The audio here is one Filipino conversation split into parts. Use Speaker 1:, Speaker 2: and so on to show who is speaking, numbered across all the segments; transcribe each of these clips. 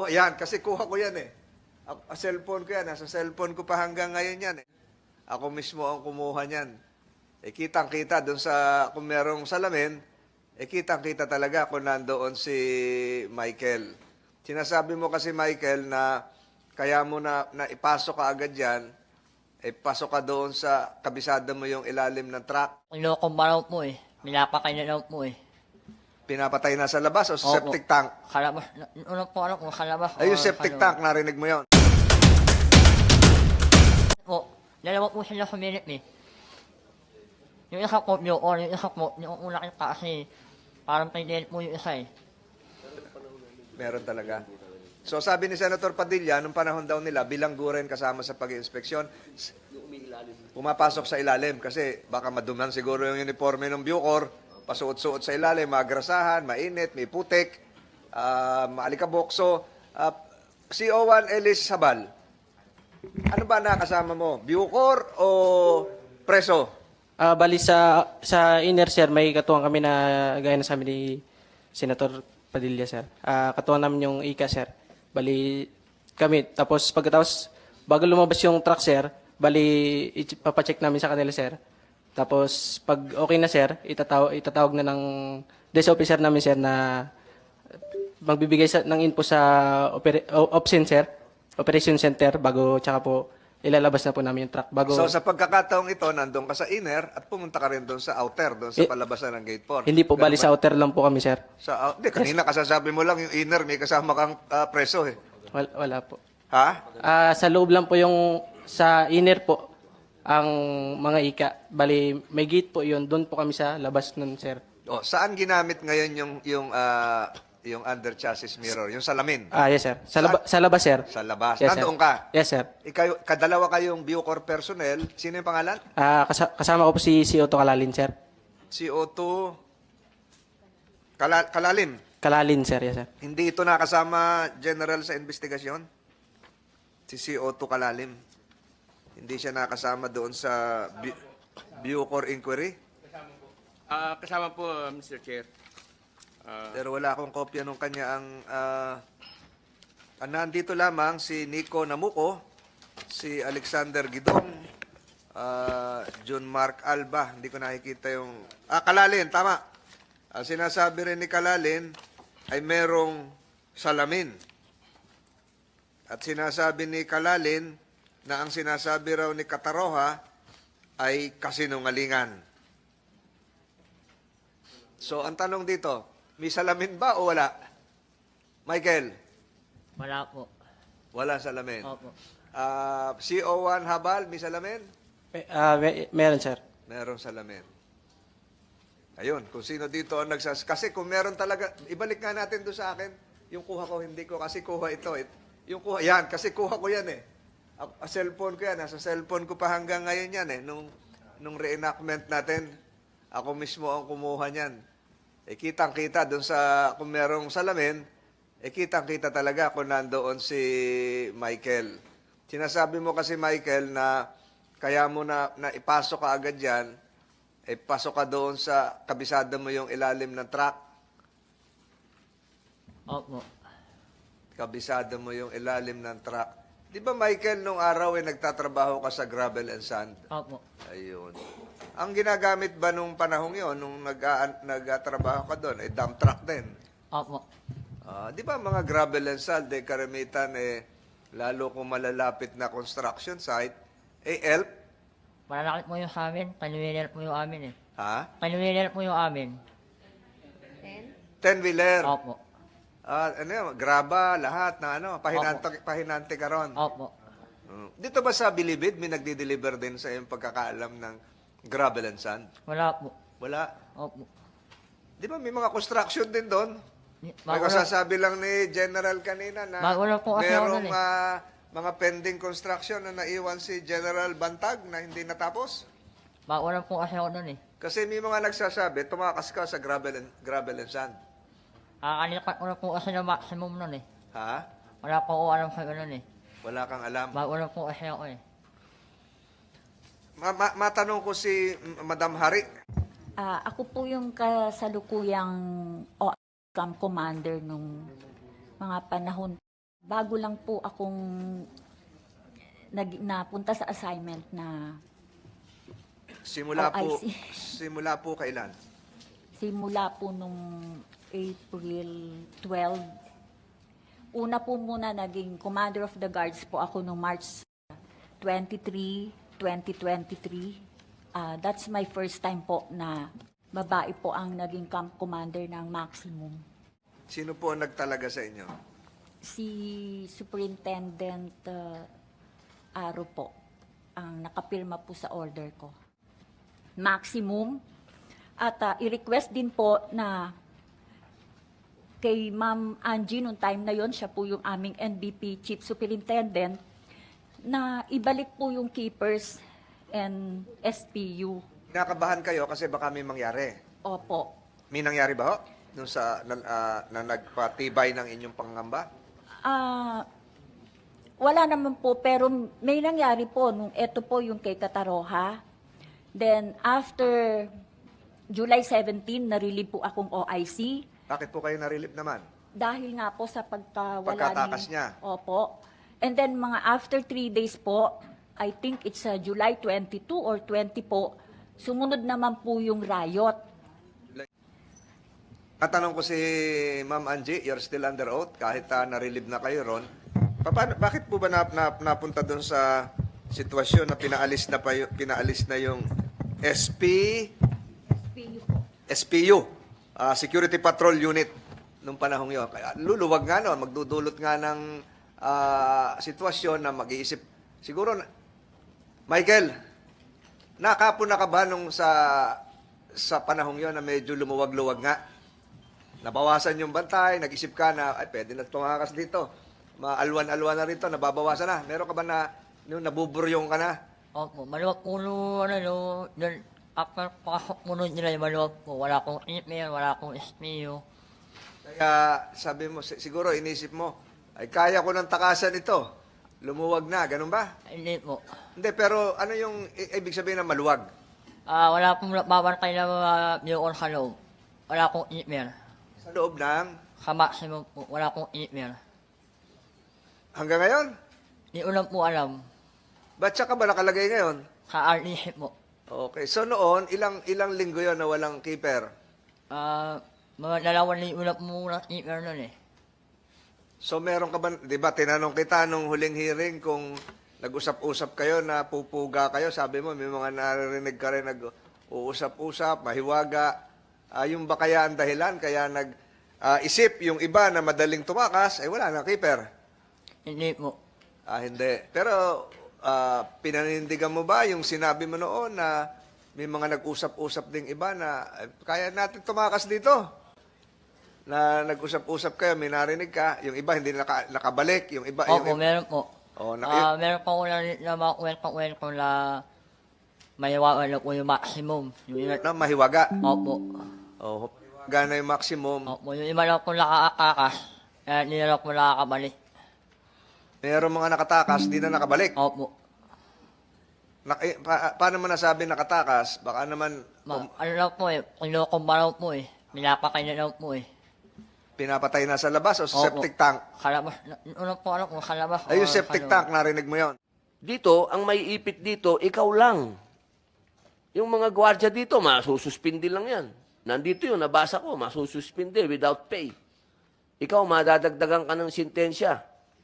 Speaker 1: kuha, yan, kasi kuha ko yan eh. Cellphone ko yan, nasa cellphone ko pa hanggang ngayon yan eh. Ako mismo ang kumuha niyan. Eh, kitang-kita doon sa, kung merong salamin, eh, kitang-kita talaga kung nandoon si Michael. Sinasabi mo kasi, Michael, na kaya mo na ipasok ka agad yan, eh, pasok ka doon sa kabisada mo yung ilalim ng truck.
Speaker 2: Niloko pa raw po eh. Pinapakay na raw po eh.
Speaker 1: Pinapatay na sa labas o sa
Speaker 2: Opo.
Speaker 1: septic tank?
Speaker 2: Kalabas. Una po alam kung kalabas.
Speaker 1: Ay, yung
Speaker 2: o
Speaker 1: septic
Speaker 2: kalabas.
Speaker 1: tank, narinig mo yon.
Speaker 2: Po, dalawa po sila suminip eh. Yung isa po, yung isa po, yung una kita kasi parang pinilip po yung isa eh.
Speaker 1: Meron talaga. So sabi ni Senator Padilla, nung panahon daw nila, bilangguren kasama sa pag-inspeksyon, pumapasok sa ilalim kasi baka maduman siguro yung uniforme ng Bucor, pasuot-suot sa ilalim, magrasahan, mainit, may putik, maalikabok. So, CO1 Ellis Sabal, ano ba nakasama mo? Bucor o preso?
Speaker 3: Bali sa inner sir, may katuwang kami na gaya na sabi ni Senator Padilla sir. Katuwang namin yung ICA sir. Bali kami. Tapos pagkatapos, bago lumabas yung truck sir, bali ipapacheck namin sa kanila sir. Tapos pag okay na sir, itatawag na ng desk officer namin sir na magbibigay ng info sa OPSEN sir, Operation Center, bago tsaka po ilalabas na po namin yung truck. Bago,
Speaker 1: So sa pagkakataong ito, nandun ka sa inner at pumunta ka rin doon sa outer, doon sa palabasan ng gate 4.
Speaker 3: hindi po, bali sa outer lang po kami sir.
Speaker 1: Hindi, kanina kasasabi mo lang yung inner, may kasama kang preso eh.
Speaker 3: Wala po.
Speaker 1: Ha?
Speaker 3: Sa loob lang po yung sa inner po ang mga ika. Bali, may gate po yun. Doon po kami sa labas nun, sir.
Speaker 1: O, saan ginamit ngayon yung under chassis mirror, yung salamin?
Speaker 3: Yes, sir. Sa labas, sir.
Speaker 1: Sa labas.
Speaker 3: Yes,
Speaker 1: Nandoon
Speaker 3: sir.
Speaker 1: ka?
Speaker 3: Yes, sir.
Speaker 1: Kadalawa kayong Bucor personnel. Sino yung pangalan?
Speaker 3: Kasama ko po si Otto Kalalin, sir.
Speaker 1: CO2 Kalalim.
Speaker 3: Kalalin, sir. Yes, sir.
Speaker 1: Hindi ito nakasama general sa investigasyon? Si CO2 Kalalim. Hindi siya nakasama doon sa Bucor inquiry?
Speaker 4: Kasama po, Mr. Chair.
Speaker 1: Pero wala akong kopya nung kanya nandito lamang si Nico Namuco, si Alexander Gidong, John Mark Alba. Hindi ko nakikita yung... Kalalin, tama. Ang sinasabi rin ni Kalalin ay merong salamin. At sinasabi ni Kalalin na ang sinasabi raw ni Kataroha ay kasinungalingan. So, ang tanong dito, may salamin ba o wala? Michael?
Speaker 2: Wala po.
Speaker 1: Wala salamin.
Speaker 2: Opo.
Speaker 1: CO1 Habal, may salamin?
Speaker 3: Meron, sir.
Speaker 1: Merong salamin. Ayun, kung sino dito ang kasi kung meron talaga, ibalik nga natin doon sa akin, yung kuha ko, hindi ko, kasi kuha ito. Yung kuha, yan, kasi kuha ko yan eh. Cellphone ko yan, nasa cellphone ko pa hanggang ngayon yan eh. Nung reenactment natin, ako mismo ang kumuha niyan. Eh, kitang-kita doon sa, kung merong salamin, eh, kitang-kita talaga kung nandoon si Michael. Sinasabi mo kasi, Michael, na kaya mo na ipasok ka agad yan, eh, pasok ka doon sa kabisada mo yung ilalim ng truck.
Speaker 2: Opo.
Speaker 1: Kabisada mo yung ilalim ng truck. Di ba, Michael, nung araw eh, nagtatrabaho ka sa gravel and sand?
Speaker 2: Opo.
Speaker 1: Ayun. Ang ginagamit ba nung panahong yon nung nagtatrabaho ka doon, eh, dump truck din?
Speaker 2: Opo.
Speaker 1: Di ba mga gravel and sand, eh, karamitan, eh, lalo kung malalapit na construction site, eh, ELP?
Speaker 2: Malalakit po yung sa amin. Panuwinil po yung amin eh.
Speaker 1: Ha?
Speaker 2: Panuwinil po yung amin.
Speaker 1: 10-wheeler?
Speaker 2: Opo.
Speaker 1: Ano yun, graba, lahat na ano, pahinante ka ron.
Speaker 2: Opo.
Speaker 1: Dito ba sa Bilibid, may nagdi-deliver din sa iyong pagkakaalam ng gravel and sand?
Speaker 2: Wala po.
Speaker 1: Wala.
Speaker 2: Opo.
Speaker 1: Di ba may mga construction din doon? May
Speaker 2: Wala,
Speaker 1: kasasabi lang ni General kanina na
Speaker 2: wala po kasi ako
Speaker 1: merong
Speaker 2: nun
Speaker 1: mga pending construction na naiwan si General Bantag na hindi natapos.
Speaker 2: wala po kasi ako nun eh.
Speaker 1: Kasi may mga nagsasabi, tumakas ka sa gravel and sand.
Speaker 2: Kanikat ko na po kasi na maximum nun eh.
Speaker 1: Ha?
Speaker 2: Wala po ako alam sa ganun eh.
Speaker 1: Wala kang alam.
Speaker 2: Wala po kasi ako eh.
Speaker 1: Matanong ko si Madam Hari.
Speaker 5: Ako po yung kasalukuyang OCAM commander nung mga panahon Bago lang po akong napunta sa assignment na
Speaker 1: Simula po,
Speaker 5: OIC.
Speaker 1: simula po kailan?
Speaker 5: simula po nung April 12. Una po muna naging Commander of the Guards po ako nung March 23, 2023. That's my first time po na babae po ang naging camp commander ng Maximum.
Speaker 1: Sino po ang nagtalaga sa inyo?
Speaker 5: Si Superintendent Aro po ang nakapirma po sa order ko. Maximum. At i-request din po na kay Ma'am Angie, nung time na yon siya po yung aming NBP Chief Superintendent, na ibalik po yung keepers and SPU.
Speaker 1: Kinakabahan kayo kasi baka may mangyari.
Speaker 5: Opo.
Speaker 1: May nangyari ba ho? Nung na nagpatibay ng inyong pangamba?
Speaker 5: Wala naman po, pero may nangyari po nung eto po yung kay Kataroha. Then after July 17, na-relieve po akong OIC.
Speaker 1: Bakit po kayo na-relieve naman?
Speaker 5: Dahil nga po sa
Speaker 1: Pagkatakas niya.
Speaker 5: Opo. And then mga after 3 days po, I think it's July 22 or 20 po, sumunod naman po yung riot.
Speaker 1: Katanong ko si Ma'am Angie, you're still under oath kahit na-relieve na kayo ron. Bakit po ba napunta doon sa sitwasyon na pinaalis na yung
Speaker 5: SPU po.
Speaker 1: SPU, Security Patrol Unit, nung panahong yun? Kaya luluwag nga no, magdudulot nga ng sitwasyon na mag-iisip. Siguro, Michael, nakapon na ka ba nung sa panahong yon na medyo lumuwag-luwag nga? Nabawasan yung bantay, nag-isip ka na, ay, pwede na tumakas dito. Maalwan-alwan na rito, nababawasan na. Meron ka ba na, yung nabuburyong ka na?
Speaker 2: Opo, maluwag po doon, after pasok mo nun nila, maluwag po. Wala akong email, wala akong SPU.
Speaker 1: Kaya sabi mo, siguro inisip mo, ay kaya ko ng takasan ito. Lumuwag na, ganun ba?
Speaker 2: Hindi po.
Speaker 1: Hindi, pero ano yung ibig sabihin ng maluwag?
Speaker 2: Wala pong babantay na mga viewer sa loob. Wala akong email.
Speaker 1: Sa loob ng,
Speaker 2: Sa Maximum po, wala akong email.
Speaker 1: hanggang ngayon?
Speaker 2: Hindi ko lang po alam.
Speaker 1: Ba't siya ka ba nakalagay ngayon?
Speaker 2: Sa RDC po.
Speaker 1: Okay, so noon, ilang linggo yon na walang keeper?
Speaker 2: Mga 2 linggo na po muna email nun eh.
Speaker 1: So meron ka ba, di ba, tinanong kita nung huling hearing kung nag-usap-usap kayo na pupuga kayo, sabi mo, may mga naririnig ka rin nag-uusap-usap, mahiwaga. Yung ba kaya ang dahilan, kaya nag-isip yung iba na madaling tumakas, ay wala na keeper?
Speaker 2: Hindi po.
Speaker 1: Hindi. Pero pinanindigan mo ba yung sinabi mo noon na may mga nag-usap-usap ding iba na kaya natin tumakas dito? Na nag-usap-usap kayo, may narinig ka, yung iba hindi nakabalik, yung iba...
Speaker 2: Opo,
Speaker 1: yung,
Speaker 2: meron po.
Speaker 1: Oh,
Speaker 2: Meron po na mga kwento na may wala po yung Maximum. Yung iba,
Speaker 1: na mahiwaga.
Speaker 2: opo.
Speaker 1: Oh, gana yung maximum.
Speaker 2: Opo, yung iba lang po nakakakas. Kaya hindi na lang po nakakabalik.
Speaker 1: Meron mga nakatakas, di na nakabalik.
Speaker 2: Opo.
Speaker 1: Paano mo nasabi nakatakas? Baka naman
Speaker 2: Ano lang po eh, kinukumbaraw po eh. Pinapakain na lang po eh.
Speaker 1: pinapatay na sa labas o sa
Speaker 2: Opo.
Speaker 1: septic tank.
Speaker 2: Kalabas, una po alam kung kalabas.
Speaker 1: Ay, yung
Speaker 2: o
Speaker 1: septic
Speaker 2: kalabas.
Speaker 1: tank, narinig mo yon.
Speaker 6: Dito, ang may ipit dito, ikaw lang. Yung mga gwardiya dito, masususpindi lang yan. Nandito yun, nabasa ko, masususpindi without pay. Ikaw, madadagdagan ka ng sintensya.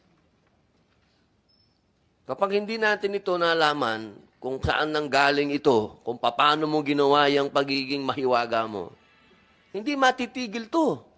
Speaker 6: Kapag hindi natin ito nalaman kung saan nanggaling ito, kung paano mo ginawa yung pagiging mahiwaga mo, hindi matitigil to.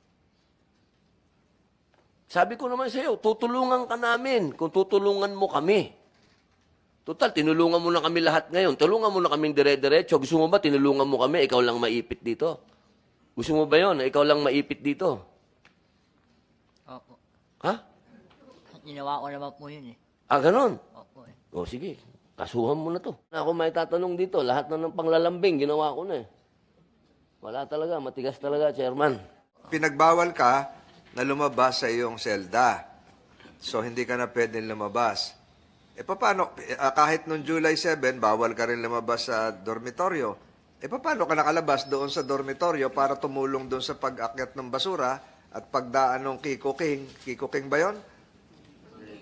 Speaker 6: Sabi ko naman sa iyo, tutulungan ka namin kung tutulungan mo kami. Total, tinulungan mo na kami lahat ngayon. Tulungan mo na kaming dire-diretso. Gusto mo ba tinulungan mo kami, ikaw lang maipit dito? Gusto mo ba yon? Ikaw lang maipit dito?
Speaker 2: Opo.
Speaker 6: Ha?
Speaker 2: Ginawa ko naman po yun eh.
Speaker 6: Ganon.
Speaker 2: Opo eh.
Speaker 6: O sige, kasuhan mo na to. Ako may tatanong dito, lahat na ng panglalambing, ginawa ko na eh. Wala talaga, matigas talaga, Chairman.
Speaker 1: Pinagbawal ka na lumabas sa iyong selda. So, hindi ka na pwedeng lumabas. Paano? Kahit noong July 7, bawal ka rin lumabas sa dormitoryo. Paano ka nakalabas doon sa dormitoryo para tumulong doon sa pag-akyat ng basura at pagdaan ng Kiko King? Kiko King ba yun?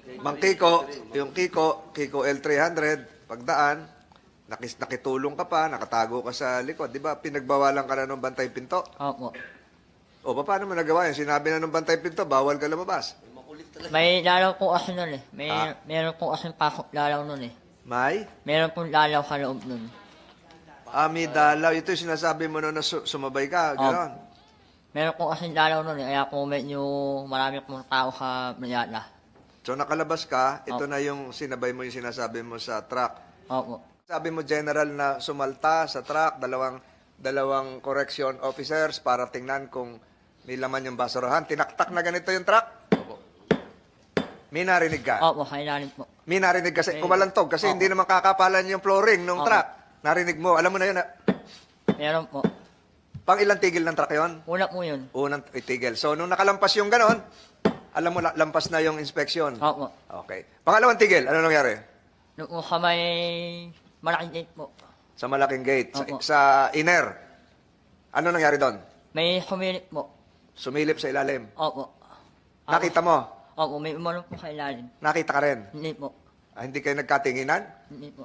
Speaker 1: Mang Kiko, yung Kiko L300, pagdaan, nakitulong ka pa, nakatago ka sa likod. Di ba, pinagbawalan ka na ng bantay pinto?
Speaker 2: Opo.
Speaker 1: O, paano mo nagawa yun? Sinabi na ng bantay pinto, bawal ka lumabas.
Speaker 2: May lalaw po kasi nun eh.
Speaker 1: Ah.
Speaker 2: Meron po kasi pasok lalaw nun eh.
Speaker 1: May?
Speaker 2: Meron pong lalaw sa loob nun.
Speaker 1: Ami dalaw. Ito yung sinasabi mo na sumabay ka. Ganon.
Speaker 2: Meron po kasi lalaw nun eh. Kaya po medyo marami pong tao sa Mayala.
Speaker 1: So, nakalabas ka. Ito na yung sinabay mo yung sinasabi mo sa truck.
Speaker 2: Opo.
Speaker 1: Sabi mo, General, na sumalta sa truck, dalawang correction officers para tingnan kung may laman yung basurahan. Tinaktak na ganito yung truck? May narinig ka?
Speaker 2: Opo, kailangan po.
Speaker 1: May narinig kasi, kumalantog, kasi hindi naman kakapalan yung flooring ng truck. Narinig mo, alam mo na yun.
Speaker 2: Meron po.
Speaker 1: Pang ilang tigil ng truck yon?
Speaker 2: Una po yun.
Speaker 1: Unang itigil. So, nung nakalampas yung ganon, alam mo, lampas na yung inspection.
Speaker 2: Opo.
Speaker 1: Okay. Pangalawang tigil, ano nangyari?
Speaker 2: Nung po sa may malaking gate po.
Speaker 1: Sa malaking gate,
Speaker 2: Opo.
Speaker 1: sa inner. Ano nangyari doon?
Speaker 2: May humilip po.
Speaker 1: Sumilip sa ilalim.
Speaker 2: Opo.
Speaker 1: Nakita mo?
Speaker 2: Opo, may umarong po sa ilalim.
Speaker 1: Nakita ka rin?
Speaker 2: Hindi po.
Speaker 1: Hindi kayo nagkatinginan?
Speaker 2: Hindi po.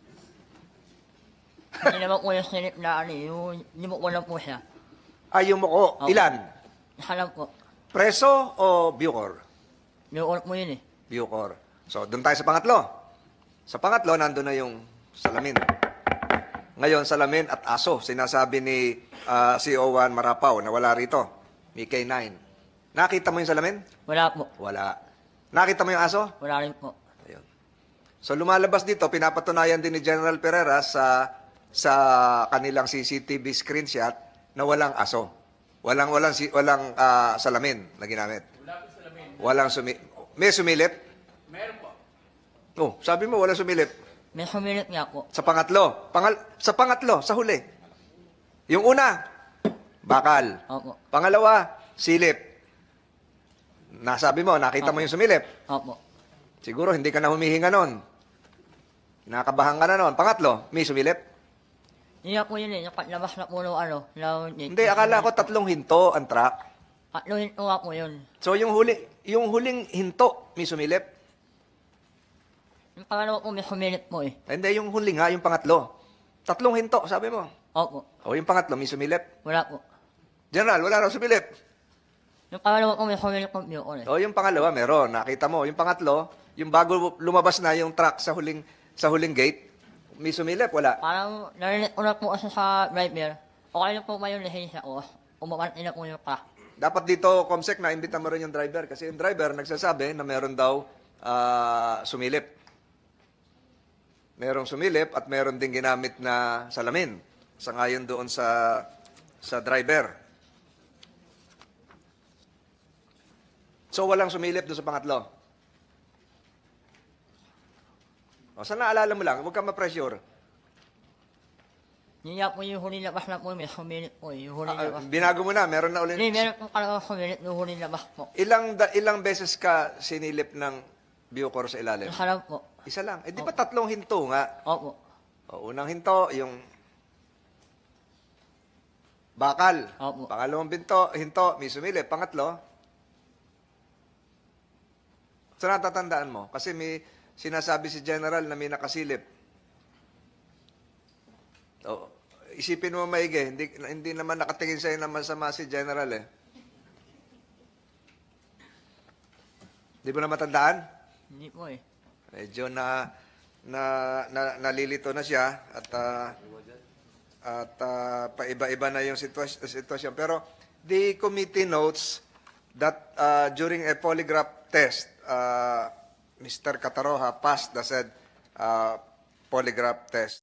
Speaker 2: Hindi naman po yung silip na ano eh. Yung mo lang po siya.
Speaker 1: Yung muko.
Speaker 2: Opo.
Speaker 1: Ilan?
Speaker 2: Isa lang po.
Speaker 1: Preso o Bucor?
Speaker 2: May ulit mo yun eh.
Speaker 1: Bucor. So, doon tayo sa pangatlo. Sa pangatlo, nandun na yung salamin. Ngayon, salamin at aso. Sinasabi ni CO1 Marapaw na wala rito. May K9. Nakita mo yung salamin?
Speaker 2: Wala po.
Speaker 1: Wala. Nakita mo yung aso?
Speaker 2: Wala rin po.
Speaker 1: Ayun. So, lumalabas dito, pinapatunayan din ni General Pereira sa kanilang CCTV screenshot na walang aso. Walang salamin na ginamit. Walang may sumilip?
Speaker 4: Meron po.
Speaker 1: Oh, sabi mo walang sumilip.
Speaker 2: May humilip nga po.
Speaker 1: Sa pangatlo. Sa pangatlo, sa huli. Yung una, bakal.
Speaker 2: Opo.
Speaker 1: Pangalawa, silip. Nasabi mo, nakita mo yung sumilip.
Speaker 2: Opo.
Speaker 1: Siguro hindi ka na humihinga nun. Nakabahan ka na nun. Pangatlo, may sumilip.
Speaker 2: Hindi nga po yun eh. Nakalabas na po nung ano.
Speaker 1: Hindi, akala ko 3 hinto ang truck.
Speaker 2: Katluhin ko nga po yun.
Speaker 1: So yung huling hinto, may sumilip.
Speaker 2: Yung pangalawa po may humilip po eh.
Speaker 1: Hindi, yung huli nga, yung pangatlo. 3 hinto, sabi mo.
Speaker 2: Opo.
Speaker 1: O yung pangatlo, may sumilip.
Speaker 2: Wala po.
Speaker 1: General, wala raw sumilip.
Speaker 2: Yung pangalawa po may humilip po yun eh.
Speaker 1: O yung pangalawa, meron. Nakita mo. Yung pangatlo, yung bago lumabas na yung truck sa huling gate, may sumilip, wala.
Speaker 2: Parang narinig ko na po kasi sa driver. Okay na po ba yung lisensya ko? Umakanti na po yung truck.
Speaker 1: Dapat dito, Comsec, na-imbita mo rin yung driver. Kasi yung driver nagsasabi na meron daw sumilip. Merong sumilip at meron din ginamit na salamin. Sangayon doon sa driver. So, walang sumilip doon sa pangatlo. O, sana naalala mo lang, huwag kang ma-pressure.
Speaker 2: Hindi nga po yung huli labas na po may humilip po eh. Yung huli labas.
Speaker 1: Binago mo na, meron na ulit.
Speaker 2: Hindi, meron po talaga humilip yung huli labas po.
Speaker 1: Ilang beses ka sinilip ng Bucor sa ilalim?
Speaker 2: Isa lang po.
Speaker 1: Isa lang. Eh, di ba 3 hinto nga?
Speaker 2: Opo.
Speaker 1: O, unang hinto, yung bakal.
Speaker 2: Opo.
Speaker 1: Pangalawang hinto, may sumilip. Pangatlo, so natatandaan mo, kasi may sinasabi si General na may nakasilip. O, isipin mo maigi, hindi naman nakatingin sa'yo na masama si General eh. Di mo na matandaan?
Speaker 2: Hindi po eh.
Speaker 1: Medyo nalilito na siya at paiba-iba na yung sitwasyon. Pero the committee notes that during a polygraph test, Mr. Cataroha passed the said polygraph test.